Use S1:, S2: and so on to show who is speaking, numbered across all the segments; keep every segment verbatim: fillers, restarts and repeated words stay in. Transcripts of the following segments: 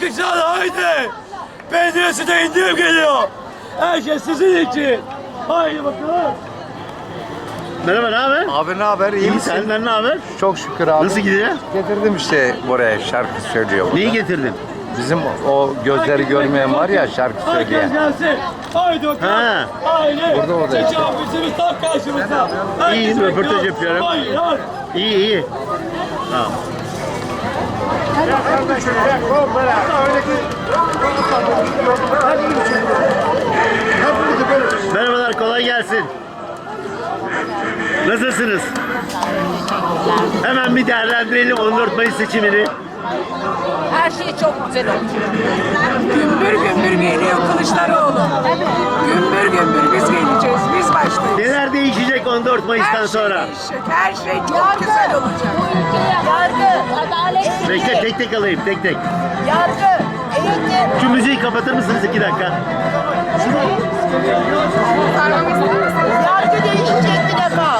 S1: Alkışlar haydi. Penceresi de indirim geliyor. Her şey sizin için. Haydi bakalım.
S2: Merhaba, ne haber?
S3: Abi ne haber? İyi
S2: İyi,
S3: misin?
S2: senden ne haber?
S3: Çok şükür abi.
S2: Nasıl gidiyor?
S3: Getirdim işte buraya şarkı söylüyor burada.
S2: Neyi getirdin?
S3: Bizim o gözleri görmeyen var ya şarkı
S1: Herkes
S3: söyleyen.
S1: gelsin. Haydi bakalım.
S2: Ha.
S1: Haydi.
S3: Burada, orada işte.
S1: Tecavüzümüz tam karşımızda.
S2: İyi,
S1: Herkes
S2: röportaj
S1: bekliyor.
S2: yapıyorum.
S1: Haydi, haydi.
S2: İyi, iyi. Tamam. Merhabalar, kolay gelsin. Nasılsınız? Hemen bir değerlendirelim on dört Mayıs seçimini.
S4: Her şey çok güzel oldu. Gümbür gümbür geliyor Kılıçdaroğlu. Gümbür gümbür biz geleceğiz, biz başlayacağız.
S2: Neler değişecek on dört Mayıs'tan
S4: Her şey
S2: sonra?
S4: değişecek, her şey çok güzel olacak.
S5: Yargı, adalet,
S2: Bekle, tek tek alayım, tek tek.
S5: yargı, eğitim.
S2: Şu müziği kapatır mısınız iki dakika?
S5: Yargı değişecek bir defa.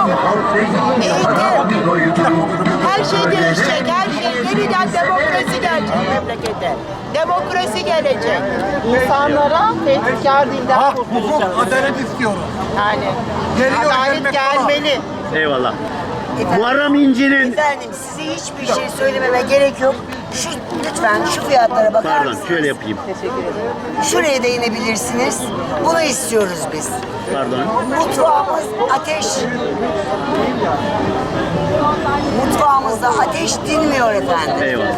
S5: Eğitim. Her şey değişecek, her şey. Yeniden demokrasi gelecek memlekete. Demokrasi gelecek. İnsanlara tehditkar dilden kurtulacağız.
S6: Adalet istiyorum.
S5: Yani
S6: Geliyor,
S5: adalet
S6: gelmek
S5: gelmeli.
S2: Eyvallah. Muharrem İnce'nin...
S5: Efendim size hiçbir şey söylememe gerek yok. Şu lütfen şu fiyatlara bakar
S2: Pardon,
S5: mısınız?
S2: şöyle yapayım.
S5: Şuraya değinebilirsiniz. Bunu istiyoruz biz.
S2: Pardon.
S5: Mutfağımız ateş. Mutfağımızda ateş dinmiyor efendim.
S2: Eyvallah.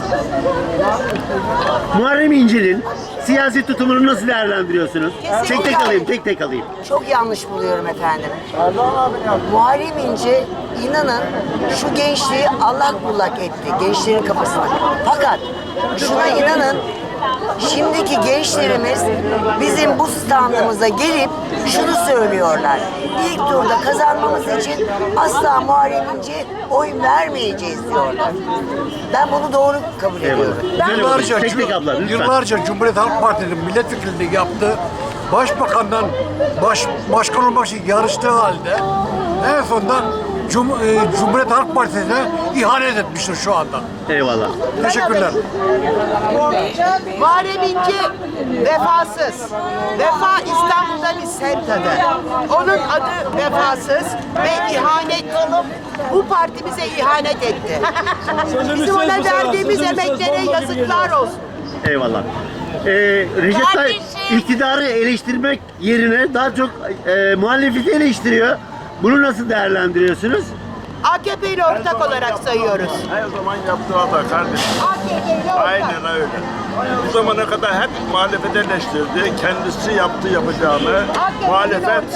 S2: Muharrem İnce'nin siyasi tutumunu nasıl değerlendiriyorsunuz? Tek tek alayım, tek tek alayım.
S5: Çok yanlış buluyorum efendim. Muharrem İnce inanın şu gençliği allak bullak etti. Gençlerin kafasına. Fakat şuna inanın şimdiki gençlerimiz bizim bu standımıza gelip şunu söylüyorlar. İlk turda kazanmamız için asla Muharrem İnce'ye oy vermeyeceğiz diyorlar. Ben bunu doğru kabul ediyorum.
S2: Eyvallah. Söyle
S6: Yıllarca,
S2: bakayım, tek tek abla lütfen.
S6: yıllarca Cumhuriyet Halk Partisi'nin milletvekilliği yaptı. Başbakandan baş, başkan olmak için yarıştığı halde en sonunda Cum, e, Cumhuriyet Halk Partisi'ne ihanet etmiştir şu anda.
S2: Eyvallah.
S6: Teşekkürler.
S7: Muharrem İnce vefasız. Vefa İstanbul'da bir semt adı. Onun adı vefasız ve ihanet. Bu parti bize ihanet etti. Bizim ona verdiğimiz emeklere yazıklar olsun.
S2: Eyvallah. Ee, Recep Tayyip iktidarı eleştirmek yerine daha çok e, muhalefeti eleştiriyor. Bunu nasıl değerlendiriyorsunuz?
S7: A K P ile ortak olarak sayıyoruz.
S8: Her zaman yaptığı hata kardeşim. Aynen öyle. Bu zamana kadar hep muhalefet eleştirdi. Kendisi yaptı yapacağını. Muhalefet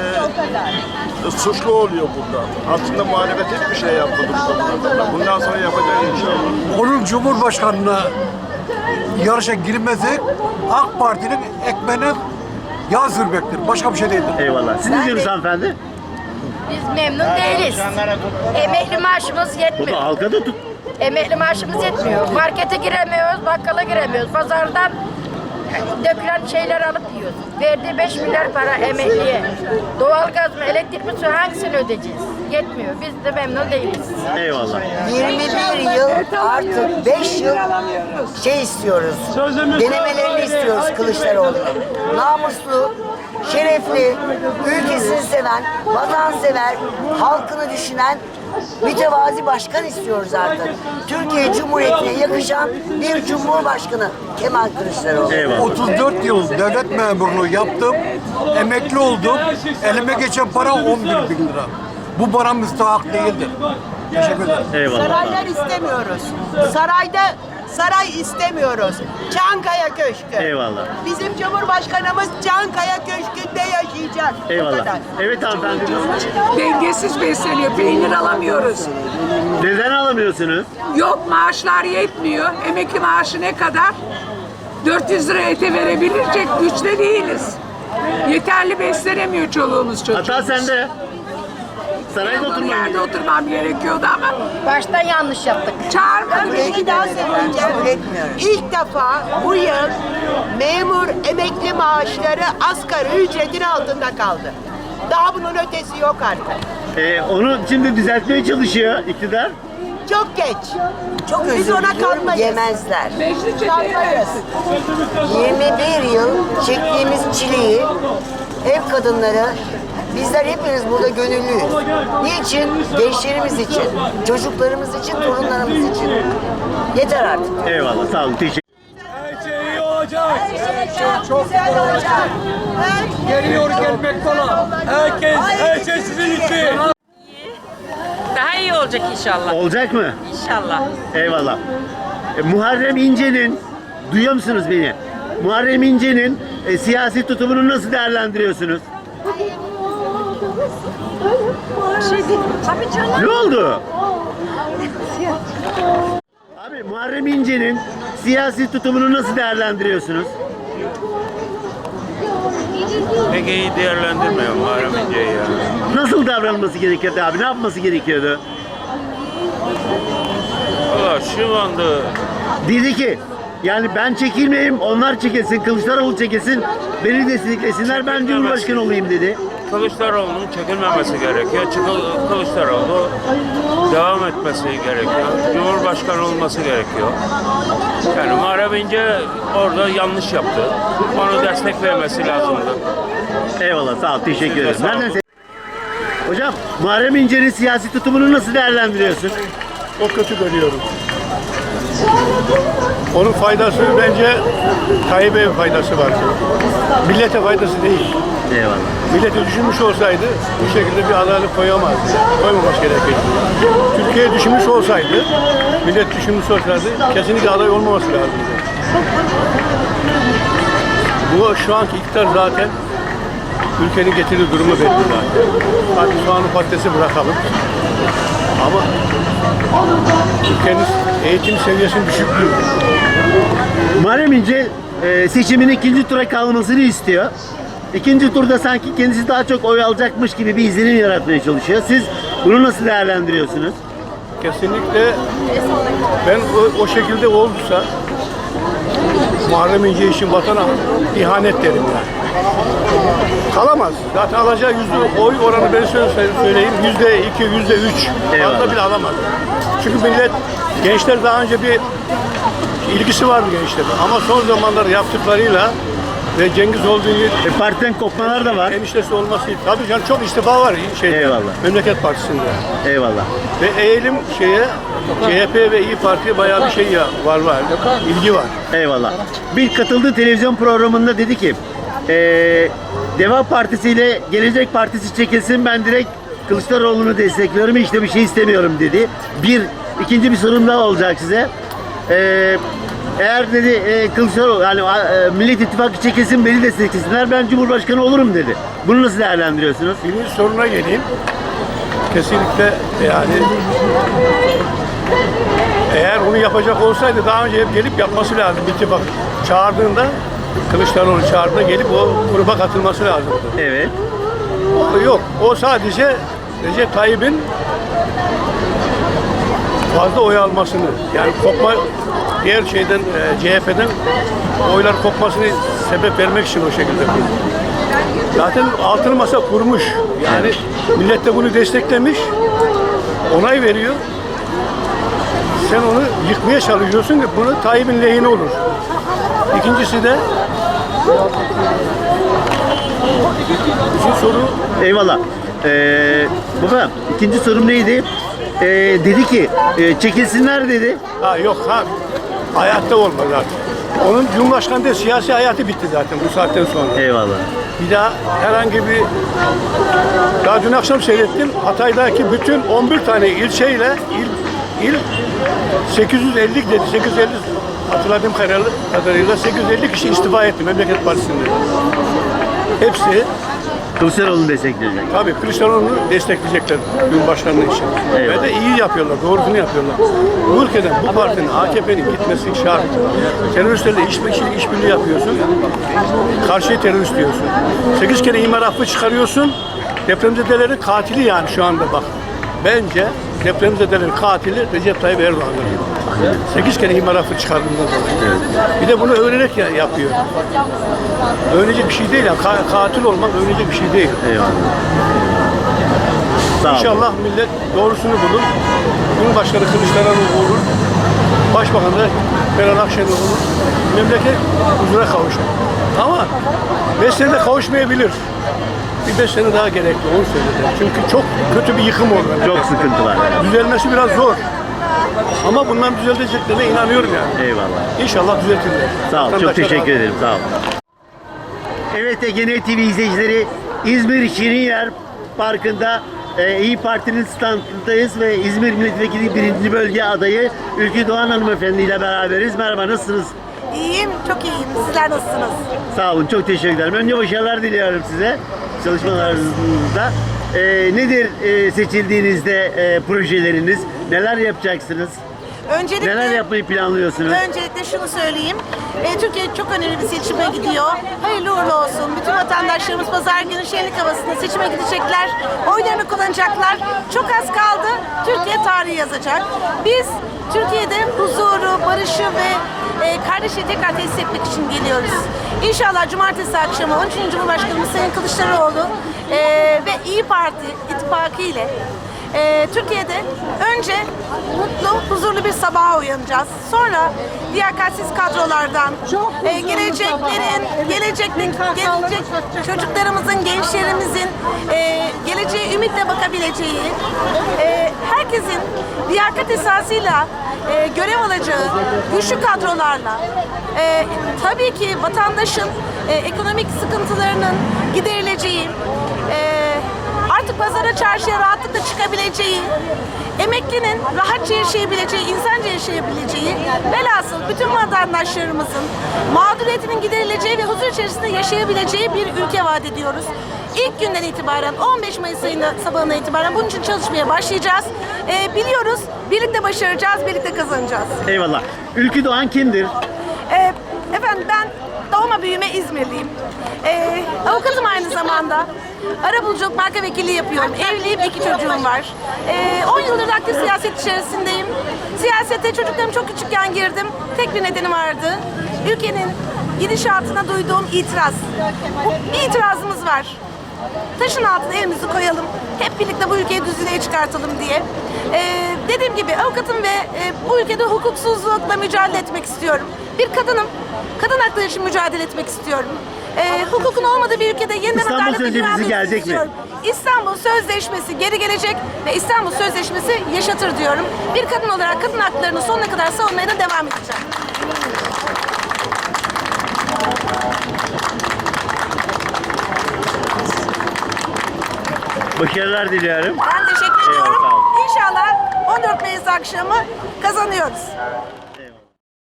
S8: e, suçlu oluyor burada. Aslında muhalefet hiçbir şey yapmadı bu zamana kadar. Bundan sonra yapacak inşallah.
S6: Onun Cumhurbaşkanlığına yarışa girmesi AK Parti'nin ekmeğine yağ sürmektir. Başka bir şey değildir.
S2: Eyvallah. Siz ne diyorsunuz hanımefendi?
S4: Biz memnun değiliz. Emekli maaşımız
S2: O
S4: yetmiyor.
S2: da halkada tut.
S4: Emekli maaşımız yetmiyor. Markete giremiyoruz, bakkala giremiyoruz. Pazardan dökülen şeyler alıp yiyoruz. Verdiği beş milyar para emekliye. Doğalgaz mı, elektrik mi, su hangisini ödeyeceğiz? Yetmiyor. Biz de memnun değiliz.
S2: Eyvallah.
S5: yirmi bir yıl artık beş yıl şey istiyoruz. Denemelerini istiyoruz Kılıçdaroğlu'nun. Namuslu, şerefli, ülkesini seven, vatansever, halkını düşünen mütevazi başkan istiyoruz artık. Türkiye Cumhuriyeti'ne yakışan bir cumhurbaşkanı Kemal Kılıçdaroğlu.
S2: Eyvallah.
S6: otuz dört yıl devlet memurluğu yaptım, emekli oldum, elime geçen para on bir bin lira. Bu bana müstahak değildir. Teşekkür ederim.
S2: Eyvallah.
S7: Saraylar istemiyoruz. Sarayda saray istemiyoruz. Çankaya Köşkü.
S2: Eyvallah.
S7: Bizim Cumhurbaşkanımız Çankaya Köşkü'nde yaşayacak. Bu
S2: Eyvallah.
S7: kadar.
S2: Evet hanımefendi.
S9: Dengesiz besleniyor. Peynir alamıyoruz.
S2: Neden alamıyorsunuz?
S9: Yok maaşlar yetmiyor. Emekli maaşı ne kadar? dört yüz lira ete verebilecek güçte değiliz. Yeterli beslenemiyor çoluğumuz çocuğumuz.
S2: Hata sende. Sarayda
S9: Yanlı
S2: oturmam
S9: yerde
S2: gerekiyor.
S9: oturmam gerekiyordu ama
S4: Baştan yanlış yaptık.
S9: çağırmadı.
S7: Bir şey daha söyleyeceğim.
S5: Kabul etmiyoruz.
S7: İlk defa bu yıl memur emekli maaşları asgari ücretin altında kaldı. Daha bunun ötesi yok artık.
S2: Ee, onu şimdi düzeltmeye çalışıyor iktidar.
S7: Çok geç.
S5: Çok
S7: Biz
S5: özür
S7: ona
S5: diliyorum,
S7: kalmayız.
S5: yemezler.
S9: Beşli çeteye
S7: Kalmayız.
S5: yirmi bir yıl çektiğimiz çileyi ev kadınları, bizler hepimiz burada gönüllüyüz. Niçin? Gençlerimiz için, çocuklarımız için, torunlarımız için. Yeter artık.
S2: Eyvallah, sağ olun. Teşekkür
S1: Her şey iyi olacak.
S7: Çok güzel olacak.
S1: Geliyor gelmek falan. Herkes, her şey sizin için.
S10: Daha iyi olacak inşallah.
S2: Olacak mı?
S10: İnşallah.
S2: Eyvallah. E, Muharrem İnce'nin, duyuyor musunuz beni? Muharrem İnce'nin e, siyasi tutumunu nasıl değerlendiriyorsunuz?
S10: Tabii canım.
S2: Ne oldu? Abi Muharrem İnce'nin siyasi tutumunu nasıl değerlendiriyorsunuz?
S8: Pek iyi değerlendirmiyorum Muharrem İnce'yi ya.
S2: Nasıl davranılması gerekiyordu abi? Ne yapması gerekiyordu?
S8: Valla şu anda
S2: Dedi ki yani ben çekilmeyeyim, onlar çekilsin, Kılıçdaroğlu çekilsin, beni desteklesinler, ben Cumhurbaşkanı olayım dedi.
S8: Kılıçdaroğlu'nun çekilmemesi gerekiyor. Çıkıl- Kılıçdaroğlu devam etmesi gerekiyor. Cumhurbaşkanı olması gerekiyor. Yani Muharrem İnce orada yanlış yaptı. Onu destek vermesi lazımdı.
S2: Eyvallah, sağ ol, teşekkür ederim.
S8: sağ olun.
S2: Nereden se- Hocam, Muharrem İnce'nin siyasi tutumunu nasıl değerlendiriyorsun?
S6: Çok kötü görüyorum. Onun faydası bence Tayyip'e faydası var. Millete faydası değil.
S2: Eyvallah.
S6: Milleti düşünmüş olsaydı bu şekilde bir adaylık koyamazdı. Koymaması gerekirdi. Türkiye düşünmüş olsaydı, millet düşünmüş olsaydı kesinlikle aday olmaması lazımdı. Bu şu anki iktidar zaten ülkenin getirdiği durumu belli zaten. Hadi soğanı patatesi bırakalım. Ama ülkenin eğitim seviyesinin düşüklüğü.
S2: Muharrem İnce e, seçimin ikinci tura kalmasını istiyor. İkinci turda sanki kendisi daha çok oy alacakmış gibi bir izlenim yaratmaya çalışıyor. Siz bunu nasıl değerlendiriyorsunuz?
S6: Kesinlikle ben o, o şekilde olursa Muharrem İnce için vatana ihanet derim yani. Kalamaz. Zaten alacağı yüzde oy oranı ben söyle- söyleyeyim. Yüzde iki, yüzde üç.
S2: Eyvallah.
S6: Fazla bile alamaz. Çünkü millet, gençler daha önce bir ilgisi vardı gençlerin. Ama son zamanlarda yaptıklarıyla ve Cengiz olduğu yer
S2: E, partiden kopmalar da var.
S6: eniştesi olması. Tabii canım çok istifa var şey.
S2: Eyvallah.
S6: Memleket Partisi'nde.
S2: Eyvallah.
S6: Ve eğilim şeye C H P ve İyi Parti'ye bayağı bir şey ya var var. İlgi var.
S2: Eyvallah. Bir katıldığı televizyon programında dedi ki e, Deva Partisi ile Gelecek Partisi çekilsin, ben direkt Kılıçdaroğlu'nu destekliyorum, işte bir şey istemiyorum dedi. Bir, ikinci bir sorum daha olacak size. E, eğer dedi e, Kılıçdaroğlu, yani e, Millet İttifakı çekilsin, beni desteklesinler, ben Cumhurbaşkanı olurum dedi. Bunu nasıl değerlendiriyorsunuz?
S6: Birinci soruna geleyim. Kesinlikle yani eğer onu yapacak olsaydı daha önce hep gelip yapması lazım. İttifak çağırdığında, Kılıçdaroğlu çağırdığında gelip o gruba katılması lazımdı.
S2: Evet.
S6: O yok. O sadece Recep Tayyip'in fazla oy almasını, yani kopma diğer şeyden e, C H P'den oylar kopmasını sebep vermek için o şekilde kurdu. Zaten altılı masa kurmuş. Yani millet de bunu desteklemiş. Onay veriyor. Sen onu yıkmaya çalışıyorsun ki bunu Tayyip'in lehine olur. İkincisi de bizim soru
S2: Eyvallah. Ee, baba, ikinci sorum neydi? Ee, dedi ki e, çekilsinler dedi.
S6: ha yok ha hayatta olmaz zaten. Onun Cumhurbaşkanı değil, siyasi hayatı bitti zaten bu saatten sonra.
S2: Eyvallah.
S6: Bir daha herhangi bir, daha dün akşam seyrettim, Hatay'daki bütün on bir tane ilçeyle il, il sekiz yüz elli dedi, sekiz yüz elli hatırladığım kadarıyla sekiz yüz elli kişi istifa etti Memleket Partisi'nde. Hepsi
S2: Kılıçdaroğlu'nu destekleyecek.
S6: tabii Kılıçdaroğlu'nu destekleyecekler Cumhurbaşkanlığı için.
S2: Eyvallah.
S6: Ve de iyi yapıyorlar, doğrusunu yapıyorlar. Bu ülkeden bu partinin, A K P'nin gitmesi şart. Teröristlerle iş, iş, işbirliği yapıyorsun. Karşıya terörist diyorsun. Sekiz kere imar affı çıkarıyorsun. Depremzedelerin katili yani şu anda bak. Bence depremzedelerin katili Recep Tayyip Erdoğan'dır. Sekiz kere imar affı çıkardığından dolayı. Bir de bunu öğrenerek ya- yapıyor. Öğrenecek bir şey değil yani. Ka- katil olmak öğrenecek bir şey değil.
S2: Eyvallah. Sağ olun.
S11: İnşallah millet doğrusunu bulur. Cumhurbaşkanı Kılıçdaroğlu olur. Başbakan da Meral Akşener olur. Memleket huzura kavuşur. Ama beş senede kavuşmayabilir. Bir beş sene daha gerekli, onu söyledi. Çünkü çok kötü bir yıkım oldu.
S2: Çok sıkıntı var.
S11: Düzelmesi biraz zor. Ama bundan düzeleceklerine inanıyorum yani.
S2: Eyvallah.
S11: İnşallah düzeltirler.
S2: Sağ ol. Çok
S11: Vatandaşlar
S2: teşekkür
S11: razı.
S2: ederim. Sağ ol. Evet, Ege T V izleyicileri, İzmir Şirinyer Parkı'nda e, İyi Parti'nin standındayız ve İzmir Milletvekili birinci Bölge adayı Ülkü Doğan Hanımefendi ile beraberiz. Merhaba, nasılsınız?
S12: İyiyim, çok iyiyim. Sizler nasılsınız?
S2: Sağ olun, çok teşekkür ederim. Önce başarılar diliyorum size çalışmalarınızda. E, nedir e, seçildiğinizde e, projeleriniz? Neler yapacaksınız?
S12: Öncelikle,
S2: Neler yapmayı planlıyorsunuz?
S12: öncelikle şunu söyleyeyim. E, Türkiye çok önemli bir seçime gidiyor. Hayırlı uğurlu olsun. Bütün vatandaşlarımız pazar günü şenlik havasında seçime gidecekler. Oylarını kullanacaklar. Çok az kaldı. Türkiye tarihi yazacak. Biz Türkiye'de huzuru, barışı ve e, kardeşliği tekrar tesis etmek için geliyoruz. İnşallah cumartesi akşamı on üçüncü Cumhurbaşkanımız Sayın Kılıçdaroğlu e, ve İyi Parti ittifakı ile Ee, Türkiye'de önce mutlu, huzurlu bir sabaha uyanacağız. Sonra liyakatsiz kadrolardan, e, geleceklerin, gelecekte, gelecek çocuklarımızın, gençlerimizin e, geleceğe ümitle bakabileceği, e, herkesin liyakat esasıyla e, görev alacağı güçlü kadrolarla, e, tabii ki vatandaşın e, ekonomik sıkıntılarının giderileceği, e, artık pazara, çarşıya rahatlıkla çıkabileceği, emeklinin rahatça yaşayabileceği, insanca yaşayabileceği, velhasıl bütün vatandaşlarımızın mağduriyetinin giderileceği ve huzur içerisinde yaşayabileceği bir ülke vaat ediyoruz. İlk günden itibaren, on beş Mayıs ayında sabahına itibaren bunun için çalışmaya başlayacağız. Ee, biliyoruz, birlikte başaracağız, birlikte kazanacağız.
S2: Eyvallah. Ülkü Doğan kimdir?
S12: Ee, efendim ben doğma büyüme İzmirliyim. Ee, avukatım aynı zamanda. Arabuluculuk marka vekilliği yapıyorum. Evliyim, iki çocuğum var. Ee, on yıldır aktif siyaset içerisindeyim. Siyasete çocuklarım çok küçükken girdim. Tek bir nedeni vardı. Ülkenin gidişatına duyduğum itiraz. Bu, bir itirazımız var. Taşın altına elimizi koyalım. Hep birlikte bu ülkeyi düzlüğe çıkartalım diye. Ee, dediğim gibi avukatım ve e, bu ülkede hukuksuzlukla mücadele etmek istiyorum. Bir kadınım. Kadın hakları için mücadele etmek istiyorum. Ee, hukukun olmadığı bir ülkede yeniden
S2: İstanbul
S12: adalet ve
S2: Sözleşmesi
S12: güvenlik
S2: gelecek mi?
S12: istiyorum. İstanbul Sözleşmesi geri gelecek ve İstanbul Sözleşmesi yaşatır diyorum. Bir kadın olarak kadın haklarını sonuna kadar savunmaya da devam edeceğim.
S2: Başarılar diliyorum.
S12: Ben teşekkür
S2: Eyvallah,
S12: ediyorum.
S2: sağ olun.
S12: İnşallah on dört Mayıs akşamı kazanıyoruz.